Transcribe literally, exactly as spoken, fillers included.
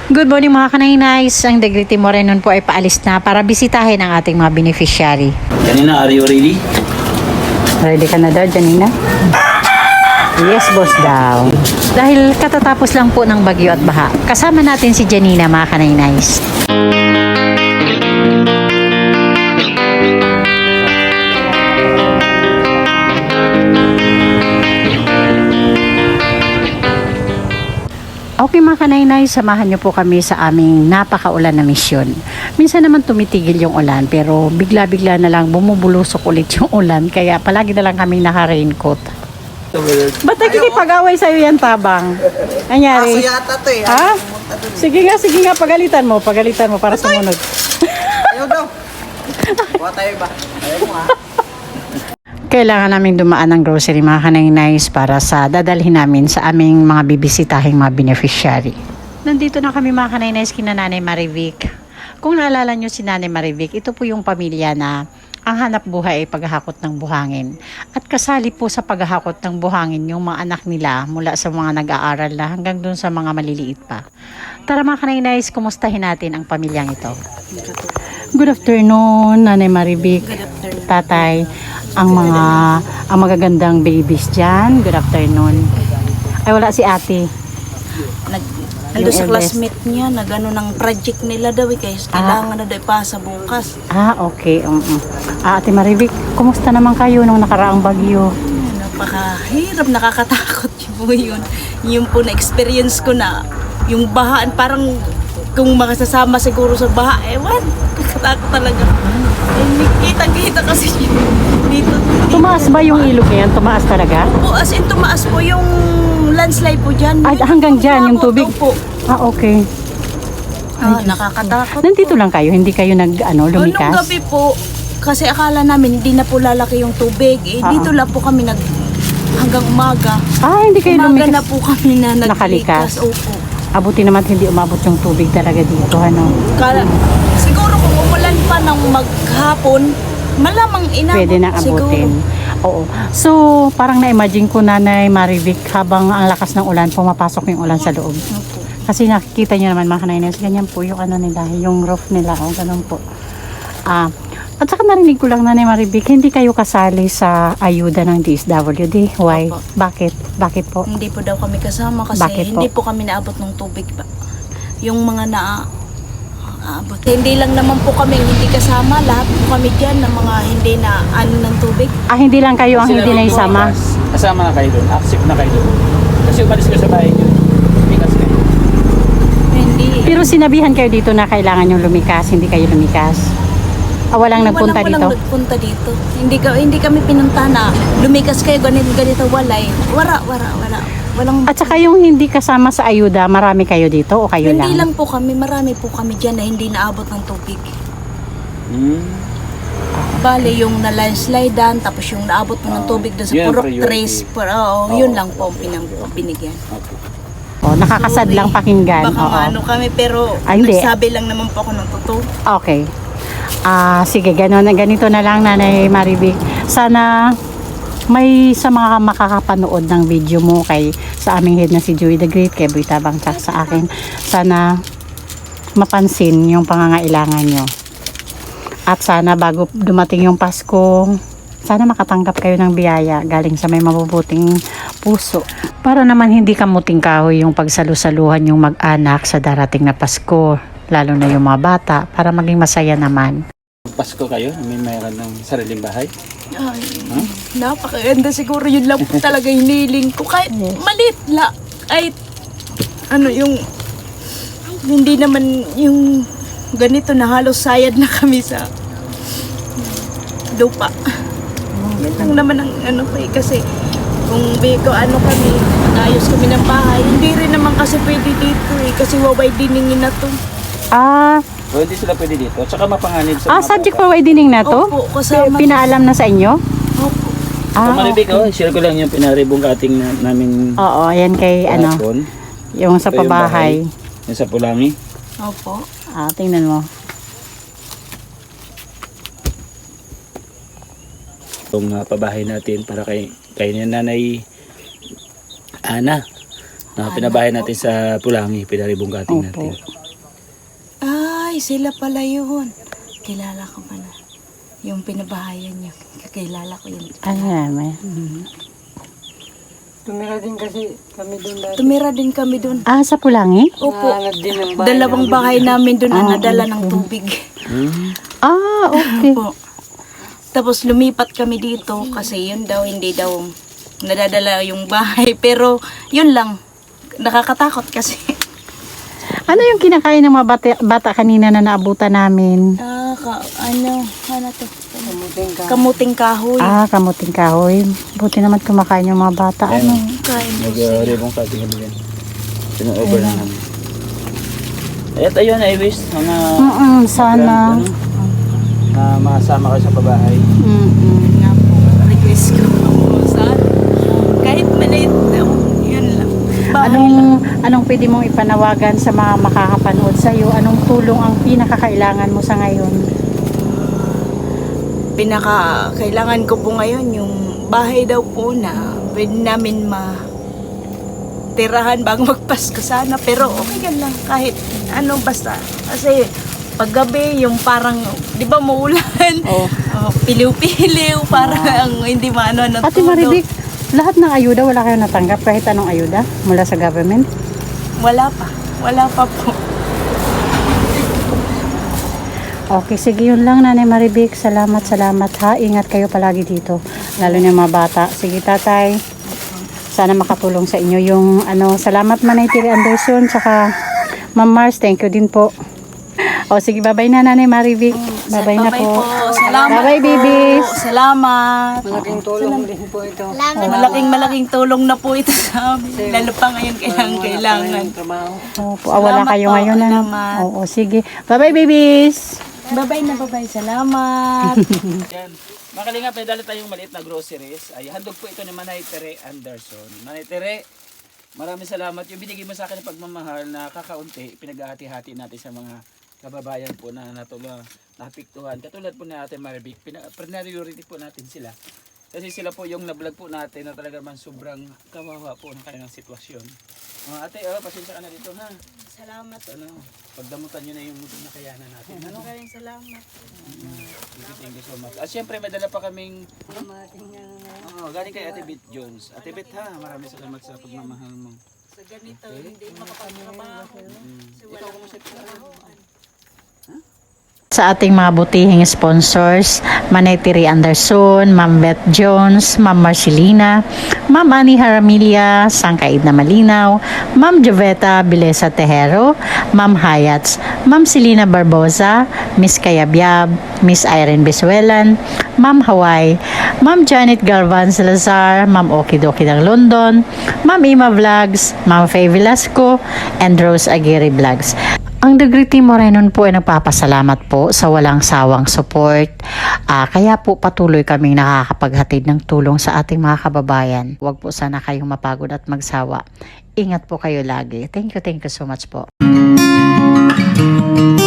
Good morning mga kanainays. Ang Degriti Morenon po ay paalis na para bisitahin ang ating mga beneficiary. Janina, are you ready? Ready ka na daw, Janina? Yes, boss daw. Dahil katatapos lang po ng bagyo at baha, kasama natin si Janina mga kanainays. Okay mga kanainay, samahan niyo po kami sa aming napakaulan na misyon. Minsan naman tumitigil yung ulan pero bigla-bigla na lang bumubulusok ulit yung ulan kaya palagi na lang kaming naka-raincoat. Ba't nakikipag-away sa'yo yan, Tabang? Anyari? Aso yata to eh. Ha? Sige nga, sige nga, pagalitan mo, pagalitan mo para sumunod. Ayaw daw. Buha tayo ba? Ayaw mo ha? Kailangan namin dumaan ng grocery mga kanainays para sa dadalhin namin sa aming mga bibisitahing mga beneficiary. Nandito na kami mga kanainays kina Nanay Marivic. Kung naalala nyo si Nanay Marivic, ito po yung pamilya na ang hanap buhay ay paghahakot ng buhangin. At kasali po sa paghahakot ng buhangin yung mga anak nila mula sa mga nag-aaral na hanggang dun sa mga maliliit pa. Tara mga kanainays, kumustahin natin ang pamilyang ito. Good afternoon, Nanay Marivic, Tatay, ang mga ang magagandang babies dyan. Good afternoon. Ay, wala si ate. Nag, ando sa classmate niya, nag-ano ng project nila daw eh, kaya kailangan na daw ipasa bukas. Ah, okay. Um, um. Ah, Ate Marivic, kumusta naman kayo nung nakaraang bagyo? Napakahirap, nakakatakot yun po yun. Yung po na-experience ko na yung bahaan, parang kung makasasama siguro sa baha, ewan, nakakatakot talaga. Eh, kita-kita kasi yun. Dito, dito. Tumaas ba yung ilog niyan? Tumaas talaga? Po, as in tumaas po yung landslide po dyan. Ay, hanggang dyan yung tubig? Po. Ah, okay. Ah, nakakatakot Nandito po. lang kayo? Hindi kayo nag, ano, Nung lumikas? gabi po, kasi akala namin hindi na po lalaki yung tubig. Eh, Ah, dito lang po kami nag hanggang umaga. Ah, hindi kayo Umaga lumikas? na po kami na Nakalikas? naglikas. Opo. Abuti naman hindi umabot yung tubig talaga dito, ano? Kala, siguro kung umulan pa ng maghapon, malamang inabot. Pwede na siguro. abutin. Oo. So, parang na-imagine ko, Nanay Marivic, habang ang lakas ng ulan, pumapasok yung ulan sa loob. Opo. Kasi nakikita nyo naman mga kanainers, ganyan po yung ano nila, yung roof nila, o ganun po. Ah, at saka narinig ko lang, Nanay Marivic, hindi kayo kasali sa ayuda ng D S W D. Why? Opo. Bakit? Bakit po? Hindi po daw kami kasama kasi Bakit po? hindi po kami naabot ng tubig pa. Yung mga na aabot. Hindi lang naman po kami hindi kasama, lahat po kami diyan ng mga hindi na ano ng tubig. Ah, hindi lang kayo ang Sila hindi rin po, naisama? Kas- Kasama na kayo doon. Accept na kayo doon. Kasi umalis ko sa bahay nyo. Bigas kayo. Hindi. Pero sinabihan kayo dito na kailangan yung lumikas, hindi kayo lumikas. Ah, walang nagpunta walang, dito? Walang nagpunta dito. Hindi ka hindi kami pinunta na lumikas kayo ganito ganito walay. Wala, wala, wala. Walang At saka yung hindi kasama sa ayuda, marami kayo dito o kayo hindi lang? lang po kami, marami po kami diyan na hindi naabot ng tubig. Hmm. Bale, yung na-landslidean, tapos yung naabot mo ng tubig doon sa Yun ang Purok priority. Trace. Pero, oo, Oo. yun lang po ang pinang binigyan. Okay. Oh, nakakasad Sorry. lang pakinggan. Baka Oo. ano kami, pero Ah, hindi. nagsabi lang naman po ako ng totoo. Okay. Ah, sige, gano'n na ganito na lang, Nanay Marivic. Sana may sa mga makakapanood ng video mo kay sa aming head na si Joey the Great, kay Boy Tabang, tsaka sa akin, sana mapansin yung pangangailangan nyo. At sana bago dumating yung Pasko, sana makatanggap kayo ng biyaya galing sa may mabubuting puso. Para naman hindi kamuting kahoy yung pagsalusaluhan yung mag-anak sa darating na Pasko, lalo na yung mga bata, para maging masaya naman. Pasko kayo? May mayroon ng sariling bahay? Ay, Huh? napakaganda siguro yun lang po talaga hiniling ko. Kahit malit la, kahit ano yung, hindi naman yung ganito na halos sayad na kami sa lupa. Yan lang naman ang ano pa eh, kasi kung biko ano kami, ayos kami ng bahay, hindi rin naman kasi pwede dito eh, kasi waway diningin na to. Ah, O hindi sila pwede dito. Tsaka mapanganib sa ah mga subject bata. for widening na to? Opo, kasama. Pinaalam na sa inyo? Opo. Ah, Kung maribig, oh, share ko lang yung pinaribong kating na, namin oo, yan kay ano, kahapon. yung sa Ito yung pabahay. Yung sa Pulangi. Opo. Ah, tingnan mo. Itong uh, pabahay natin para kay, kay ni Nanay Ana. Na pinabahay natin sa Pulangi, pinaribong kating Opo. natin. Ay, sila pala yun. Kilala ko pa na. Yung pinabahayan niyo. Kakilala ko yun. Ano naman? Tumira din kasi kami doon dati. Tumira din kami doon. Ah, sa Pulangi? Opo. Nahanap din ng bahay. Dalawang bahay namin doon na Ah, nadala ng tubig. Ah, okay. Po. Tapos lumipat kami dito kasi yun daw, hindi daw nadadala yung bahay. Pero yun lang, nakakatakot kasi. Ano yung kinakain ng mga bata, bata kanina na naabutan namin? Ah, ka, ano, ano to? Kamuting ka. Kamuting kahoy. Ah, kamuting kahoy. Buti naman kumakain yung mga bata. Ano? Kain po sila. Nag-ribong sa ating haligan. Pina-over na namin. At ayun, I wish mga Mm-mm, sana. ano, na masama kayo sa pabahay. Mm-mm. Nga po, request ko po sa kahit maliit daw, yun lang. Bahay lang. Anong, anong pwede mong ipanawagan sa mga makakapanood sa iyo? Anong tulong ang pinakakailangan mo sa ngayon? Pinaka kailangan ko po ngayon yung bahay daw po na pwede namin ma tirahan bago magpasko sana, pero okay ka lang kahit ano basta kasi paggabi yung parang di ba maulan, Oh. oh, piliw-piliw parang hindi maano ng Ate Maribik, lahat ng ayuda wala kayong natanggap kahit anong ayuda mula sa government? wala pa wala pa po. Okay, sige yun lang Nanay Maribik. Salamat, salamat ha. Ingat kayo palagi dito. Lalo na yung mga bata. Sige tatay. Sana makatulong sa inyo yung ano. Salamat Manay Tiri Anderson. Saka Ma'am Mars, thank you din po. O sige, bye-bye na Nanay Maribik. Bye-bye na Bye-bye po. Salamat Bye-bye, po. babies. Salamat. Malaking tulong din po ito. Malaking malaking tulong na po ito sa amin. Lalo pa ngayon kailangan kailangan. Trabaho. Opo, ah, wala Salamat kayo po, ngayon. Ano? salamat. Oo, sige. Bye-bye, babies. Bye-bye na bye-bye. Salamat. Yan. Mga kalingap, may dala tayong maliit na groceries. Ay, handog po ito ni Manay Tere Anderson. Manay Tere, maraming salamat. Yung binigay mo sa akin ng pagmamahal na kakaunti, pinaghahati-hati natin sa mga kababayan po na natula, napiktuhan. Katulad po ni Ate Maribik, priority po natin sila. Kasi sila po yung nablog po natin na talaga man sobrang kawawa po ng kanilang sitwasyon. Mga ate, oh, pasensya ka na dito ha. Salamat. Ano, pagdamutan nyo na yung nakayanan natin. Ano? Maraming salamat. Thank you, thank you so much. At syempre, may dala pa kaming oh, galing kay Ate Bit Jones. Ate Bit ha, maraming salamat sa pagmamahal mo. Sa ganito, hindi makapagtrabaho. Kasi wala akong trabaho. Sa ating mga butihing sponsors, Manay Tiri Anderson, Ma'am Beth Jones, Ma'am Marcelina, Ma'am Annie Haramilia, Sangkaid na Malinaw, Ma'am Joveta Bilesa Tejero, Ma'am Hayats, Ma'am Selina Barbosa, Miss Kayabyab, Miss Irene Bisuelan, Ma'am Hawaii, Ma'am Janet Galvan Salazar, Ma'am Okidoki ng London, Ma'am Ima Vlogs, Ma'am Faye Velasco, and Rose Aguirre Vlogs. Ang Degree Team Morenon po ay nagpapasalamat po sa walang sawang support. Ah, kaya po patuloy kaming nakakapaghatid ng tulong sa ating mga kababayan. Huwag po sana kayong mapagod at magsawa. Ingat po kayo lagi. Thank you, thank you so much po.